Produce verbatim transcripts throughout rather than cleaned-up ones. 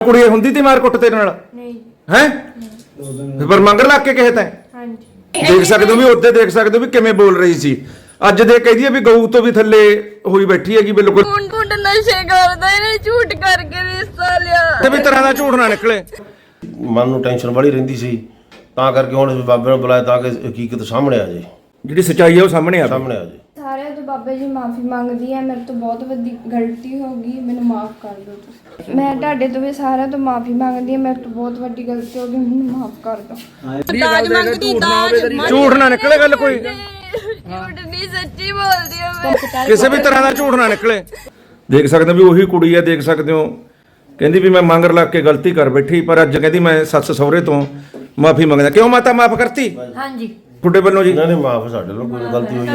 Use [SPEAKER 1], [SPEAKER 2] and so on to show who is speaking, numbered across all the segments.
[SPEAKER 1] ਕੁੜੀ ਹੁੰਦੀ ਤੀ ਮਾਰ ਕੁੱਟ ਤੇਰੇ ਨਾਲ?
[SPEAKER 2] ਨਹੀਂ
[SPEAKER 1] ਹੈ ਪਰ ਮੰਗਰ ਲੱਗ ਕੇ ਕਹੇ ਤੈਂ?
[SPEAKER 2] ਹਾਂਜੀ
[SPEAKER 1] ਦੇਖ ਸਕਦੇ ਹੋ ਵੀ ਉੱਤੇ ਦੇਖ ਸਕਦੇ ਹੋ ਵੀ ਕਿਵੇਂ ਬੋਲ ਰਹੀ ਸੀ। ਅੱਜ ਦੇ ਕਹਦੀ ਵੀ ਗਊ ਤੋਂ ਵੀ ਥੱਲੇ ਹੋਈ ਬੈਠੀ ਹੈਗੀ ਬਿਲਕੁਲ।
[SPEAKER 2] ਕੁੰਡ ਕੁੰਡ ਨਸ਼ੇ ਕਰਦਾ ਇਹਨੇ ਝੂਠ ਕਰਕੇ ਰਿਸ਼ਤਾ ਲਿਆ
[SPEAKER 1] ਤੇ ਵੀ ਤਰ੍ਹਾਂ ਦਾ ਝੂਠ ਨਾ ਨਿਕਲੇ।
[SPEAKER 3] ਮਨ ਨੂੰ ਟੈਨਸ਼ਨ ਬੜੀ ਰਹਿੰਦੀ ਸੀ, ਤਾਂ ਕਰਕੇ ਹੁਣ ਬਾਬੇ ਨੂੰ ਬੁਲਾਇਆ ਤਾਂ ਕਿ ਹਕੀਕਤ ਸਾਹਮਣੇ ਆ ਜਾਏ,
[SPEAKER 1] ਜਿਹੜੀ ਸੱਚਾਈ ਹੈ ਉਹ ਸਾਹਮਣੇ ਆਵੇ
[SPEAKER 3] ਸਾਹਮਣੇ ਆ ਜਾਏ।
[SPEAKER 4] ਸਾਰਿਆਂ ਤੋਂ ਬਾਬਾ ਜੀ ਮਾਫੀ ਮੰਗਦੀ ਹੈ, ਮੇਰੇ ਤੋਂ ਬਹੁਤ ਵੱਡੀ ਗਲਤੀ ਹੋ ਗਈ, ਮੈਨੂੰ ਮਾਫ ਕਰ ਦਿਓ ਤੁਸੀਂ। ਮੈਂ ਤੁਹਾਡੇ ਤੋਂ ਵੀ ਸਾਰਿਆਂ ਤੋਂ ਮਾਫੀ ਮੰਗਦੀ ਹਾਂ, ਮੇਰੇ ਤੋਂ ਬਹੁਤ ਵੱਡੀ ਗਲਤੀ ਹੋ ਗਈ, ਮੈਨੂੰ ਮਾਫ ਕਰ ਦਿਓ।
[SPEAKER 2] ਦਾਜ ਮੰਗਦੀ ਦਾਜ
[SPEAKER 1] ਝੂਠ ਨਾ ਨਿਕਲੇ ਗੱਲ ਕੋਈ,
[SPEAKER 2] ਝੂਠ ਨਹੀਂ ਸੱਚੀ ਬੋਲਦੀ ਆ ਮੈਂ।
[SPEAKER 1] ਕਿਸੇ ਵੀ ਤਰ੍ਹਾਂ ਦਾ ਝੂਠ ਨਾ ਨਿਕਲੇ। ਦੇਖ ਸਕਦੇ ਹੋ ਵੀ ਉਹੀ ਕੁੜੀ ਹੈ, ਦੇਖ ਸਕਦੇ ਹੋ ਕਹਿੰਦੀ ਵੀ ਮੈਂ ਮੰਗਰ ਲੱਗ ਕੇ ਗਲਤੀ ਕਰ ਬੈਠੀ, ਪਰ ਅੱਜ ਕਹਿੰਦੀ ਮੈਂ ਸੱਸ ਸਹੁਰੇ ਤੋਂ ਮਾਫੀ ਮੰਗਦਾ। ਕਿਉਂ ਮਾਤਾ ਮਾਫ ਕਰਤੀ
[SPEAKER 2] ਹਾਂਜੀ
[SPEAKER 1] ਤੁਹਾਡੇ ਵੱਲੋਂ ਜੀ?
[SPEAKER 3] ਇਹਨਾਂ ਨੇ ਮਾਫ, ਸਾਡੇ ਨਾਲ ਕੋਈ ਗਲਤੀ ਹੋਈ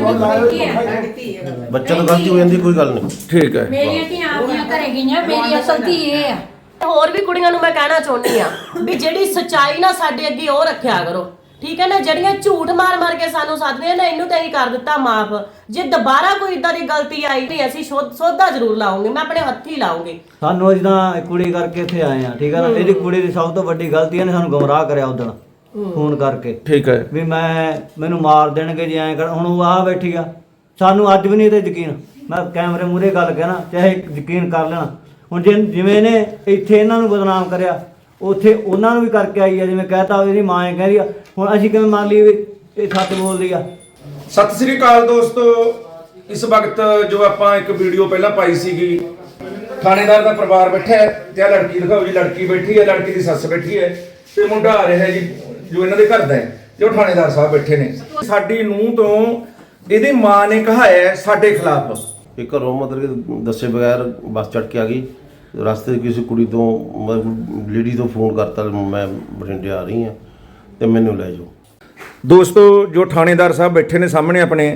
[SPEAKER 3] ਨਹੀਂ, ਬੱਚਾ ਤੋਂ ਗਲਤੀ ਹੋ ਜਾਂਦੀ, ਕੋਈ ਗੱਲ ਨਹੀਂ।
[SPEAKER 1] ਠੀਕ ਹੈ।
[SPEAKER 5] ਮੇਰੀਆਂ ਧੀਆਂ ਆਪਣੀਆਂ ਘਰੇ ਗਈਆਂ, ਮੇਰੀ ਅਸਲ ਧੀ ਇਹ ਆ।
[SPEAKER 6] ਹੋਰ ਵੀ ਕੁੜੀਆਂ ਨੂੰ ਮੈਂ ਕਹਿਣਾ ਚਾਹੁੰਦੀ ਆ ਵੀ ਜਿਹੜੀ ਸੱਚਾਈ ਨਾ ਸਾਡੇ ਅੱਗੇ ਉਹ ਰੱਖਿਆ ਕਰੋ, ਠੀਕ ਹੈ ਨਾ। ਜਿਹੜੀਆਂ ਝੂਠ ਮਾਰ ਮਾਰ ਕੇ ਸਾਨੂੰ ਸੱਦਦੀਆਂ ਨੇ, ਇਹਨੂੰ ਤਾਂ ਹੀ ਕਰ ਦਿੱਤਾ ਮਾਫ। ਜੇ ਦੁਬਾਰਾ ਕੋਈ ਇਦਾਂ ਦੀ ਗਲਤੀ ਆਈ ਤੇ ਅਸੀਂ ਸੋਧਾ ਜ਼ਰੂਰ ਲਾਉਂਗੇ, ਮੈਂ ਆਪਣੇ ਹੱਥੀਂ ਲਾਉਂਗੀ।
[SPEAKER 7] ਸਾਨੂੰ ਜਿੱਦਾਂ ਕੁੜੀ ਕਰਕੇ ਇੱਥੇ ਆਏ ਆ, ਠੀਕ ਹੈ ਨਾ। ਇਹਦੀ ਕੁੜੀ ਦੀ ਸਭ ਤੋਂ ਵੱਡੀ ਗਲਤੀ ਇਹਨੇ ਸਾਨੂੰ ਗੁੰਮਰਾਹ ਕਰਿਆ ਉਦੋਂ ਫੋਨ ਕਰਕੇ,
[SPEAKER 1] ਠੀਕ ਹੈ
[SPEAKER 7] ਵੀ ਮੈਂ ਮੈਨੂੰ ਮਾਰ ਦੇਣਗੇ ਜੇ ਐਂ ਕਰ। ਹੁਣ ਉਹ ਆ ਬੈਠੀ ਆ, ਸਾਨੂੰ ਅੱਜ ਵੀ ਨਹੀਂ ਤੇ ਯਕੀਨ। ਮੈਂ ਕੈਮਰੇ ਮੂਹਰੇ ਗੱਲ ਕਹਿਣਾ, ਚਾਹੇ ਯਕੀਨ ਕਰ ਲੈਣਾ। ਹੁਣ ਜੇ ਜਿਵੇਂ ਇਹਨੇ ਇੱਥੇ ਇਹਨਾਂ ਨੂੰ ਬਦਨਾਮ ਕਰਿਆ, ਉੱਥੇ ਉਹਨਾਂ ਨੂੰ ਵੀ ਕਰਕੇ ਆਈ ਆ। ਜਿਵੇਂ ਕਹਿਤਾ ਇਹਦੀ ਮਾਂ ਐਂ ਕਹਿ ਰਹੀ ਆ, ਹੁਣ ਅਸੀਂ ਕਿਵੇਂ ਮੰਨ ਲਈਏ ਵੀ ਇਹ ਸੱਚ ਬੋਲਦੀ ਆ?
[SPEAKER 1] ਸਤਿ ਸ੍ਰੀ ਅਕਾਲ ਦੋਸਤੋ। ਇਸ ਵਕਤ ਜੋ ਆਪਾਂ ਇੱਕ ਵੀਡੀਓ ਪਹਿਲਾਂ ਪਾਈ ਸੀਗੀ, ਥਾਣੇਦਾਰ ਦਾ ਪਰਿਵਾਰ ਬੈਠਾ ਹੈ ਤੇ ਆ ਲੜਕੀ ਦਿਖਾਓ ਜੀ। ਲੜਕੀ ਬੈਠੀ ਹੈ, ਲੜਕੀ ਦੀ ਸੱਸ ਬੈਠੀ ਹੈ ਤੇ ਮੁੰਡਾ ਆ ਰਿਹਾ ਜੀ ਜੋ ਇਹਨਾਂ ਦੇ ਘਰ ਦਾ ਹੈ, ਜੋ ਥਾਣੇਦਾਰ ਸਾਹਿਬ ਬੈਠੇ ਨੇ। ਸਾਡੀ ਨੂੰਹ ਤੋਂ ਇਹਦੀ ਮਾਂ ਨੇ ਕਹਾਇਆ ਸਾਡੇ ਖਿਲਾਫ।
[SPEAKER 3] ਇਹ ਘਰੋਂ ਮਤਲਬ ਕਿ ਦੱਸੇ ਬਗੈਰ ਬੱਸ ਚੜ੍ਹ ਕੇ ਆ ਗਈ। ਰਸਤੇ 'ਚ ਕਿਸੇ ਕੁੜੀ ਤੋਂ ਮਤਲਬ ਲੇਡੀ ਤੋਂ ਫੋਨ ਕਰਤਾ, ਮੈਂ ਬਠਿੰਡੇ ਆ ਰਹੀ ਹਾਂ ਤੇ ਮੈਨੂੰ ਲੈ ਜਾਓ।
[SPEAKER 1] ਦੋਸਤੋ ਜੋ ਥਾਣੇਦਾਰ ਸਾਹਿਬ ਬੈਠੇ ਨੇ ਸਾਹਮਣੇ, ਆਪਣੇ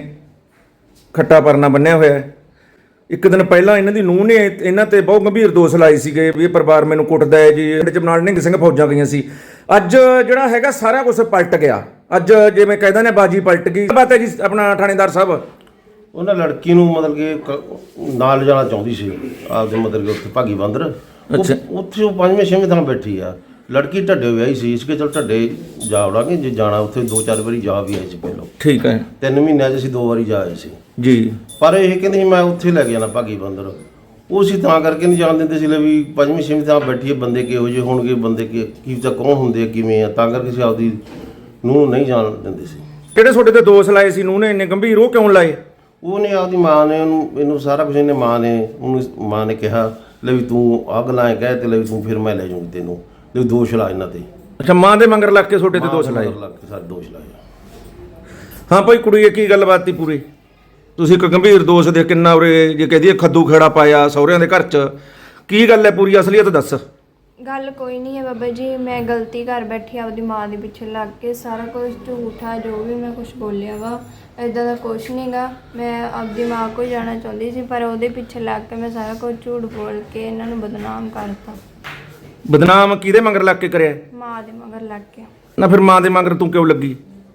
[SPEAKER 1] ਖੱਟਾ ਪਰਨਾ ਬੰਨਿਆ ਹੋਇਆ ਹੈ। ਇੱਕ ਦਿਨ ਪਹਿਲਾਂ ਇਹਨਾਂ ਦੀ ਨੂੰਹ ਨੇ ਇਹਨਾਂ ਤੇ ਬਹੁਤ ਗੰਭੀਰ ਦੋਸ਼ ਲਾਏ ਸੀਗੇ ਵੀ ਇਹ ਪਰਿਵਾਰ ਮੈਨੂੰ ਕੁੱਟਦਾ ਹੈ ਜੀ। ਇਹਦੇ ਚ ਨਾਲ ਨਿੰਗ ਸਿੰਘ ਫੌਜਾਂ ਗਈਆਂ ਸੀ। ਅੱਜ ਜਿਹੜਾ ਹੈਗਾ ਸਾਰਾ ਕੁਝ ਪਲਟ ਗਿਆ। ਅੱਜ ਜਿਵੇਂ ਕਹਿੰਦਾ ਨੇ ਬਾਜੀ ਪਲਟ ਗਈ। ਬਾਤ ਹੈ ਜੀ ਆਪਣਾ ਥਾਣੇਦਾਰ ਸਾਹਿਬ,
[SPEAKER 3] ਉਹਨਾਂ ਲੜਕੀ ਨੂੰ ਮਤਲਬ ਕਿ ਕ- ਨਾਲ ਜਾਣਾ ਚਾਹੁੰਦੀ ਸੀ ਆਪਦੇ, ਮਤਲਬ ਕਿ ਉੱਥੇ ਭਾਗੀ ਬੰਦਰ।
[SPEAKER 1] ਅੱਛਾ।
[SPEAKER 3] ਉੱਥੇ ਉਹ ਪੰਜਵੇਂ ਛੇਵੇਂ ਥਾਂ ਬੈਠੀ ਆ। ਲੜਕੀ ਢੱਡੇ ਵਿਆਹੀ ਸੀ, ਇਸ ਕੇ ਚਲ ਢੱਡੇ ਜਾ ਵੜਾਂਗੇ ਜੇ ਜਾਣਾ। ਉੱਥੇ ਦੋ ਚਾਰ ਵਾਰੀ ਜਾ ਵੀ ਆਏ ਸੀ ਪਹਿਲਾਂ,
[SPEAKER 1] ਠੀਕ ਹੈ
[SPEAKER 3] ਤਿੰਨ ਮਹੀਨਿਆਂ 'ਚ ਅਸੀਂ ਦੋ ਵਾਰੀ ਜਾ ਆਏ ਸੀ
[SPEAKER 1] ਜੀ।
[SPEAKER 3] ਪਰ ਇਹ ਕਹਿੰਦੇ ਸੀ ਮੈਂ ਉੱਥੇ ਲੈ ਕੇ ਜਾਣਾ ਭਾਗੀ ਬੰਦਰ। ਉਹ ਅਸੀਂ ਤਾਂ ਕਰਕੇ ਨਹੀਂ ਜਾਣ ਦਿੰਦੇ ਸੀ ਲੈ ਵੀ ਪੰਜਵੀਂ ਛੇਵੀਂ ਥਾਂ ਬੈਠੀ ਹੈ, ਬੰਦੇ ਕਿਹੋ ਜਿਹੇ ਹੋਣਗੇ, ਬੰਦੇ ਕੀ ਕੀ ਤਾਂ ਕੌਣ ਹੁੰਦੇ ਆ, ਕਿਵੇਂ ਆ, ਤਾਂ ਕਰਕੇ ਅਸੀਂ ਆਪਦੀ ਨੂੰਹ ਨਹੀਂ ਜਾਣ ਦਿੰਦੇ ਸੀ।
[SPEAKER 1] ਕਿਹੜੇ ਤੁਹਾਡੇ ਤੇ ਦੋਸ਼ ਲਾਏ ਸੀ ਨੂੰਹ ਨੇ ਇੰਨੇ ਗੰਭੀਰ, ਉਹ ਕਿਉਂ ਲਾਏ?
[SPEAKER 3] ਉਹਨੇ ਆਪਦੀ ਮਾਂ ਨੇ ਉਹਨੂੰ, ਇਹਨੂੰ ਸਾਰਾ ਕੁਝ ਇਹਨੇ ਮਾਂ ਨੇ ਉਹਨੂੰ ਮਾਂ ਨੇ ਕਿਹਾ ਲੈ ਵੀ ਤੂੰ ਆਹ ਗੱਲਾਂ ਐਂ ਕਹਿ ਤੇ ਲੈ ਵੀ ਤੂੰ ਫਿਰ ਮੈਂ ਲੈ ਜਾਊਂਗੀ ਤੈਨੂੰ, ਲੈ ਦੋਸ਼ ਲਾ ਇਹਨਾਂ ਤੇ।
[SPEAKER 1] ਅੱਛਾ, ਮਾਂ ਦੇ ਮੰਗਰ ਲੱਗ ਕੇ ਤੁਹਾਡੇ ਤੇ ਦੋਸ਼ ਲਾਏ?
[SPEAKER 3] ਲੱਗ ਕੇ ਸਾਰੇ ਦੋਸ਼ ਲਾਏ।
[SPEAKER 1] ਹਾਂ ਭਾਈ ਕੁੜੀ, ਇਹ ਕੀ ਗੱਲਬਾਤ ਸੀ ਪੂਰੀ? ਤੁਸੀਂ ਇੱਕ ਗੰਭੀਰ ਦੋਸ਼ ਦੇ ਕਿੰਨਾ ਉਰੇ ਜੇ ਕਹਦੀ ਖੱਦੂ ਖੇੜਾ ਪਾਇਆ ਸਹੁਰਿਆਂ ਦੇ ਘਰ 'ਚ, ਕੀ ਗੱਲ ਹੈ ਪੂਰੀ ਅਸਲੀਅਤ ਦੱਸ।
[SPEAKER 4] ਗੱਲ ਕੋਈ ਨਹੀਂ ਹੈ ਬਾਬਾ ਜੀ, ਮੈਂ ਗਲਤੀ ਕਰ ਬੈਠੀ ਆਪਦੀ ਮਾਂ ਦੇ ਪਿੱਛੇ ਲੱਗ ਕੇ। ਸਾਰਾ ਕੁਝ ਝੂਠਾ, ਜੋ ਵੀ ਮੈਂ ਕੁਝ ਬੋਲਿਆ ਵਾ ਇਦਾਂ ਦਾ ਕੁਝ ਨਹੀਂ ਗਾ। ਮੈਂ ਆਪਦੀ ਮਾਂ ਕੋਲ ਜਾਣਾ ਚਾਹੁੰਦੀ ਸੀ, ਪਰ ਉਹਦੇ ਪਿੱਛੇ ਲੱਗ ਕੇ ਮੈਂ ਸਾਰਾ ਕੁਝ ਝੂਠ ਬੋਲ ਕੇ ਇਹਨਾਂ ਨੂੰ ਬਦਨਾਮ ਕਰਤਾ।
[SPEAKER 1] ਬਦਨਾਮ ਕਿਹਦੇ ਮੰਗਰ ਲੱਗ ਕੇ ਕਰਿਆ?
[SPEAKER 4] ਮਾਂ ਦੇ ਮਗਰ ਲੱਗ ਕੇ।
[SPEAKER 1] ਨਾ ਫਿਰ ਮਾਂ ਦੇ ਮੰਗਰ ਤੂੰ ਕਿਉਂ ਲੱਗੀ?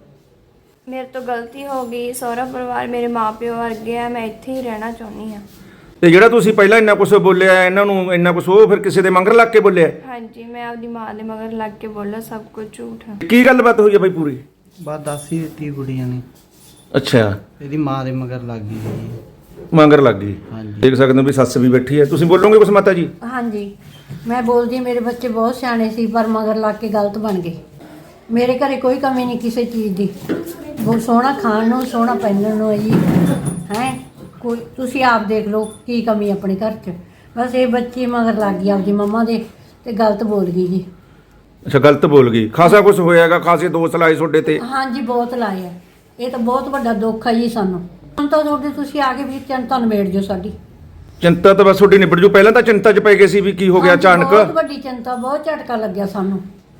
[SPEAKER 4] ਮੇਰੇ ਤੋਂ ਗਲਤੀ ਹੋ ਗਈ। ਸਹੁਰਾ ਪਰਿਵਾਰ ਮੇਰੇ ਮਾਪਿਓ ਵਰਗੇ ਆ, ਮੈਂ ਇੱਥੇ ਹੀ ਰਹਿਣਾ ਚਾਹੁੰਦੀ ਹਾਂ।
[SPEAKER 1] ਤੇ ਜਿਹੜਾ ਤੁਸੀਂ ਪਹਿਲਾਂ ਇੰਨਾ ਕੁਝ ਬੋਲਿਆ ਇਹਨਾਂ ਨੂੰ, ਇੰਨਾ ਕੁਝ ਉਹ ਫਿਰ ਕਿਸੇ ਦੇ ਮੰਗਰ ਲੱਗ ਕੇ ਬੋਲਿਆ?
[SPEAKER 4] ਹਾਂਜੀ, ਮੈਂ ਆਪਦੀ ਮਾਂ ਦੇ ਮਗਰ ਲੱਗ ਕੇ ਬੋਲਿਆ, ਸਭ ਕੁਝ ਝੂਠ ਹੈ।
[SPEAKER 1] ਕੀ ਗੱਲਬਾਤ ਹੋਈ ਹੈ ਬਾਈ ਪੂਰੀ?
[SPEAKER 8] ਬਾਤ ਦੱਸ ਹੀ ਦਿੱਤੀ ਕੁੜੀਆਂ ਨੇ,
[SPEAKER 1] ਅੱਛਾ,
[SPEAKER 8] ਇਹਦੀ ਮਾਂ ਦੇ ਮਗਰ ਲੱਗ ਗਈ ਜੀ।
[SPEAKER 1] ਮੰਗਰ ਲੱਗ ਗਈ।
[SPEAKER 8] ਹਾਂਜੀ।
[SPEAKER 1] ਦੇਖ ਸਕਦੇ ਹੋ ਵੀ ਸੱਸ ਵੀ ਬੈਠੀ ਹੈ। ਤੁਸੀਂ ਬੋਲੋਗੇ ਕੁਛ ਮਾਤਾ ਜੀ?
[SPEAKER 5] ਹਾਂਜੀ, ਮੈਂ ਬੋਲਦੀ ਮੇਰੇ ਬੱਚੇ ਬਹੁਤ ਸਿਆਣੇ ਸੀ, ਪਰ ਮਗਰ ਲੱਗ ਕੇ ਗਲਤ ਬਣ ਗਏ। ਮੇਰੇ ਘਰੇ ਕੋਈ ਕਮੀ ਨਹੀਂ ਕਿਸੇ ਚੀਜ਼ ਦੀ, ਬਹੁਤ ਸੋਹਣਾ ਖਾਣ ਨੂੰ, ਸੋਹਣਾ ਪਹਿਨਣ ਨੂੰ ਹੈ ਜੀ। ਹੈ ਕੋਈ ਤੁਸੀਂ ਆਪ ਦੇਖ ਲਓ ਕੀ ਕਮੀ ਆਪਣੇ ਘਰ 'ਚ। ਬਸ ਇਹ ਬੱਚੀ ਮਗਰ ਲੱਗ ਗਈ ਆਪਦੀ ਮੰਮਾ ਦੇ ਤੇ ਗਲਤ ਬੋਲ ਗਈ ਜੀ।
[SPEAKER 1] ਅੱਛਾ, ਗਲਤ ਬੋਲ ਗਈ। ਖਾਸਾ ਕੁਝ ਹੋਇਆਗਾ, ਖਾਸੇ ਦੋਸ਼ ਲਾਏ ਤੁਹਾਡੇ ਤੇ?
[SPEAKER 5] ਹਾਂਜੀ, ਬਹੁਤ ਲਾਏ ਆ। ਇਹ ਤਾਂ ਬਹੁਤ ਵੱਡਾ ਦੁੱਖ ਹੈ ਜੀ ਸਾਨੂੰ। ਹੁਣ ਤਾਂ ਤੁਹਾਡੇ ਤੁਸੀਂ ਆ ਕੇ ਵੀ ਚਿੰਤਾ ਨਿਬੇੜ ਜੋ ਸਾਡੀ।
[SPEAKER 1] ਚਿੰਤਾ ਤਾਂ ਬਸ ਤੁਹਾਡੀ ਨਿਬੜ ਜੂ। ਪਹਿਲਾਂ ਤਾਂ ਚਿੰਤਾ 'ਚ ਪੈ ਗਏ ਸੀ ਵੀ ਕੀ ਹੋ ਗਿਆ
[SPEAKER 5] ਹਾਂਜੀ,
[SPEAKER 1] ਅਚਾਨਕ।
[SPEAKER 5] ਬਹੁਤ ਵੱਡੀ ਚਿੰਤਾ, ਬਹੁਤ ਝਟਕਾ ਲੱਗਿਆ ਸਾਨੂੰ।